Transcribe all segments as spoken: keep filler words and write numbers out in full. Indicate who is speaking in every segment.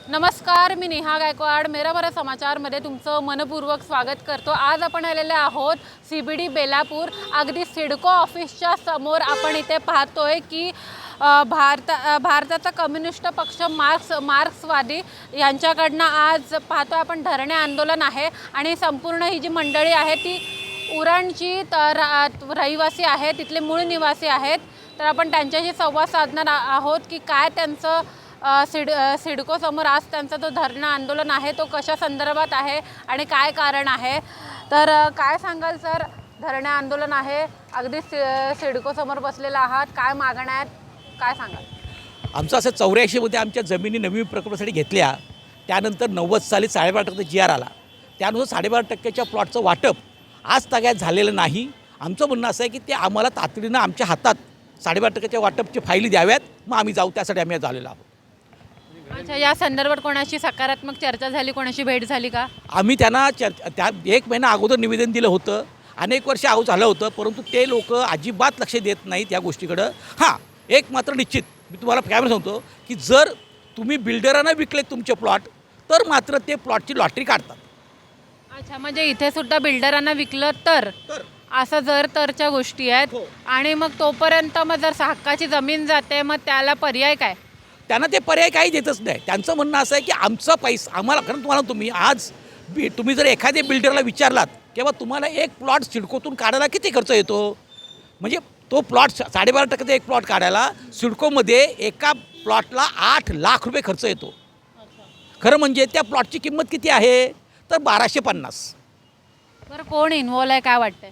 Speaker 1: नमस्कार, मी नेहा गायकवाड मेरा बरा समाचारमध्ये तुमचं मनपूर्वक स्वागत करतो। आज आपण आलेले आहोत सीबीडी बेलापूर। अगदी सिडको ऑफिसच्या समोर आपण इथे पाहतोय की भारत भारताचा कम्युनिस्ट पक्ष मार्क्स मार्क्सवादी यांच्याकडनं आज पाहतोय आपण धरणे आंदोलन आहे आणि संपूर्ण ही जी मंडळी आहे ती उरणची रहिवासी आहे, तिथले मूळ निवासी आहेत। तर आपण त्यांच्याशी संवाद साधणार आहोत की काय त्यांचं सिड सिडको समोर आज त्यांचा तो धरणं आंदोलन आहे तो कशा संदर्भात आहे आणि काय कारण आहे। तर काय सांगाल सर, धरणे आंदोलन आहे, अगदी सिडको समोर बसलेला आहात, काय मागण्या आहेत, काय सांगाल?
Speaker 2: आमचं असं चौऱ्याऐंशी मध्ये आमच्या जमिनी नवीन प्रकल्पासाठी घेतल्या, त्यानंतर नव्वद साली साडेबारा टक्के जी आर आला, त्यानुसार साडेबारा टक्क्याच्या प्लॉटचं वाटप आज तगायत झालेलं नाही। आमचं म्हणणं असं आहे की ते आम्हाला तातडीनं आमच्या हातात साडेबारा टक्क्याच्या वाटपची फायली द्याव्यात, मग आम्ही जाऊ, त्यासाठी आम्ही झालेलो आहोत।
Speaker 1: अच्छा, या संदर्भात कोणाशी सकारात्मक चर्चा झाली, कोणाशी भेट झाली का?
Speaker 2: आम्ही त्यांना चर्चा त्या एक महिना अगोदर निवेदन दिलं होतं, अनेक वर्ष अगोदर झालं होतं, परंतु ते लोक अजिबात लक्ष देत नाहीत या गोष्टीकडं। हां, एक मात्र निश्चित मी तुम्हाला कॅमेरा सांगतो की जर तुम्ही बिल्डरांना विकले तुमचे प्लॉट तर मात्र ते प्लॉटची लॉटरी काढतात।
Speaker 1: अच्छा, म्हणजे इथे सुद्धा बिल्डरांना विकलं तर असं जर तरच्या गोष्टी आहेत। आणि मग तोपर्यंत मग जर हक्काची जमीन जाते मग त्याला पर्याय काय?
Speaker 2: त्यांना ते पर्याय काही देतच नाही। त्यांचं म्हणणं असं आहे की आमचा पैसा आम्हाला, कारण तुम्हाला तुम्ही आज बी तुम्ही जर एखाद्या बिल्डरला विचारलात किंवा तुम्हाला एक प्लॉट सिडकोतून काढायला किती खर्च येतो, म्हणजे तो प्लॉट साडेबारा टक्क्याचा एक प्लॉट काढायला सिडकोमध्ये एका प्लॉटला आठ लाख रुपये खर्च येतो। खरं म्हणजे त्या प्लॉटची किंमत किती आहे तर बाराशे पन्नास।
Speaker 1: बरं, कोण इन्व्हॉल्व आहे, काय वाटतंय?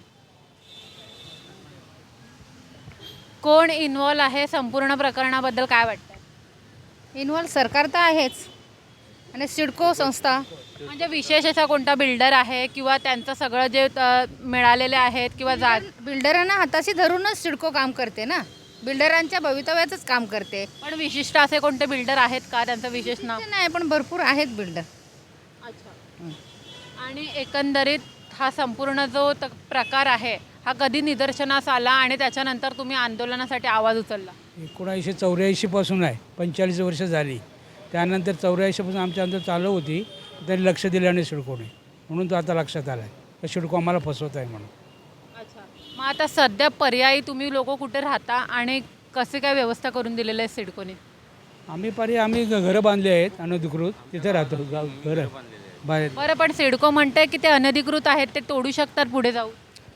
Speaker 1: कोण इन्व्हॉल्व आहे संपूर्ण प्रकरणाबद्दल काय वाटतं?
Speaker 3: इन्व्हॉल्व सरकार तर आहेच आणि सिडको संस्था।
Speaker 1: म्हणजे विशेष असा कोणता बिल्डर आहे किंवा त्यांचं सगळं जे मिळालेले आहेत किंवा जा
Speaker 3: बिल्डरांना हाताशी धरूनच सिडको काम करते ना, बिल्डरांच्या भवितव्याचंच काम करते।
Speaker 1: पण विशिष्ट असे कोणते बिल्डर आहेत का, त्यांचं विशेष नाव?
Speaker 3: नाही, पण भरपूर आहेत बिल्डर।
Speaker 1: अच्छा, आणि एकंदरीत हा संपूर्ण जो त प्रकार आहे हा कधी निदर्शनास आला आणि त्याच्यानंतर तुम्ही आंदोलनासाठी आवाज उचलला?
Speaker 4: एकोणीसशे चौऱ्याऐंशीपासून आहे, पंचेचाळीस वर्ष झाली। त्यानंतर चौऱ्याऐंशीपासून आमच्या अंदर चालू होती, त्यांनी लक्ष दिलं नाही सिडकोने, म्हणून तो आता लक्षात आला आहे तर सिडको आम्हाला फसवत आहे म्हणून।
Speaker 1: अच्छा, मग आता सध्या पर्यायी तुम्ही लोक कुठे राहता आणि कसे काय व्यवस्था करून दिलेलं आहे सिडकोने?
Speaker 4: आम्ही पर्याय आम्ही घरं बांधली आहेत अनधिकृत, तिथे राहतो गाव घरं बाहेर।
Speaker 1: बरं, पण सिडको म्हणते की ते अनधिकृत आहेत, ते तोडू शकतात पुढे जाऊ?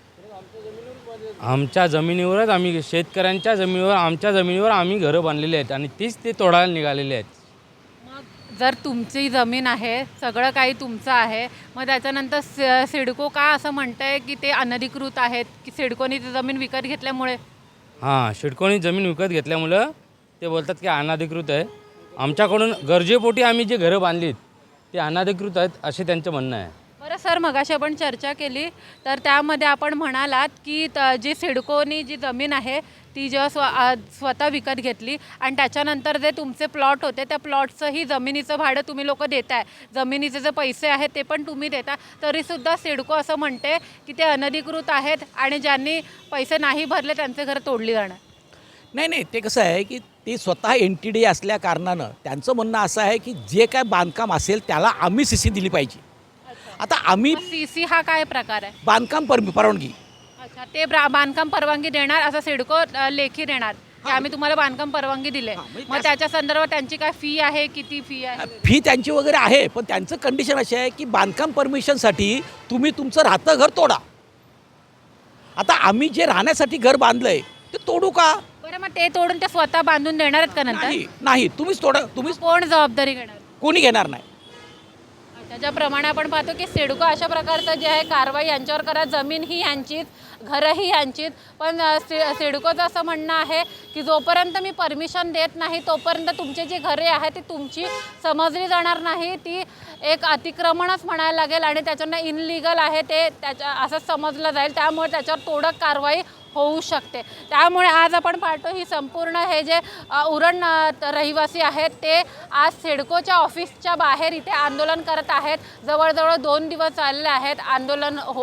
Speaker 5: आमच्या जमिनीवरच आम्ही, शेतकऱ्यांच्या जमिनीवर, आमच्या जमिनीवर आम्ही घरं बांधलेली आहेत आणि तीच ते तोडायला निघालेले आहेत।
Speaker 1: मग जर तुमची जमीन आहे, सगळं काही तुमचं आहे, मग त्याच्यानंतर सि सिडको का असं म्हणतंय की ते अनधिकृत आहेत, की सिडकोनी ती जमीन विकत घेतल्यामुळे?
Speaker 5: हां, सिडकोनी जमीन विकत घेतल्यामुळं ते बोलतात की अनधिकृत आहे। आमच्याकडून गरजेपोटी आम्ही जे घरं बांधलीत ते अनधिकृत आहेत असे त्यांचं म्हणणं आहे।
Speaker 1: बरं सर, मगाशी आपण चर्चा केली तर त्यामध्ये आपण म्हणालात की त जी सिडकोनी जी जमीन आहे ती जेव्हा स्व स्वतः विकत घेतली आणि त्याच्यानंतर जे तुमचे प्लॉट होते त्या प्लॉटचंही जमिनीचं भाडं तुम्ही लोक देताय, जमिनीचे जे पैसे आहेत ते पण तुम्ही देता, तरीसुद्धा सिडको असं म्हणते की ते अनधिकृत आहेत आणि ज्यांनी पैसे नाही भरले त्यांचे घरं तोडली जाणार।
Speaker 2: नाही नाही, ते कसं आहे की ते स्वतः एन टी डी असल्या कारणानं त्यांचं म्हणणं असं आहे की जे काय बांधकाम असेल त्याला आम्ही सी सी दिली पाहिजे। आता आम्ही
Speaker 1: सी सी हा काय प्रकार आहे?
Speaker 2: बांधकाम पर परवानगी।
Speaker 1: अच्छा, ते बांधकाम परवानगी देणार असं सिडको लेखी देणार की आम्ही तुम्हाला बांधकाम परवानगी दिले, मग त्याच्या संदर्भात त्यांची काय फी आहे, किती फी आहे?
Speaker 2: फी त्यांची वगैरे आहे, पण त्यांचं कंडिशन अशी आहे की बांधकाम परमिशनसाठी तुम्ही तुमचं राहतं घर तोडा। आता आम्ही जे राहण्यासाठी घर बांधलंय ते तोडू का?
Speaker 1: बरं, मग ते तोडून ते स्वतः बांधून देणार आहेत का नंतर?
Speaker 2: नाही नाही, तुम्हीच तोडा, तुम्हीच,
Speaker 1: कोण जबाबदारी घेणार?
Speaker 2: कोणी घेणार नाही।
Speaker 1: त्याच्याप्रमाणे आपण पाहतो की सिडको अशा प्रकारचं जे आहे कारवाई यांच्यावर करा, जमीन ही यांचीच, घरंही यांचीच, पण सि सिडकोचं असं म्हणणं आहे की जोपर्यंत मी परमिशन देत नाही तोपर्यंत तुमची जी घरे आहेत ती तुमची समजली जाणार नाही, ती एक अतिक्रमणच म्हणायला लागेल आणि त्याच्यानं इनलिगल आहे ते त्याच्या असंच समजलं जाईल, त्यामुळे त्याच्यावर तोडक कारवाई होऊ शकते। त्यामुळे आज आपण पाहतो ही संपूर्ण हे जे उरण रहिवासी आहेत ते आज सिडकोच्या ऑफिसच्या बाहेर इथे आंदोलन करत आहेत। जवळजवळ दोन दिवस चालले आहेत आंदोलन होऊन।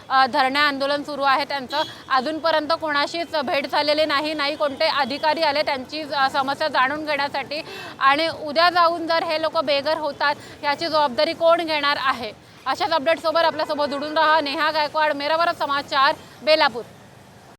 Speaker 1: अ, धरणे आंदोलन सुरू आहे त्यांचं. अजूनपर्यंत कोणाशीच भेट झालेली नाही, नाही कोणते अधिकारी आले त्यांची अ, समस्या जाणून घेण्यासाठी. आणि उद्या जाऊन जर हे लोक बेघर होतात याची जबाबदारी कोण घेणार आहे? अशाच अपडेटसोबत आपल्यासोबत जोडून राहा. नेहा गायकवाड, मेरा भारत समाचार, बेलापूर.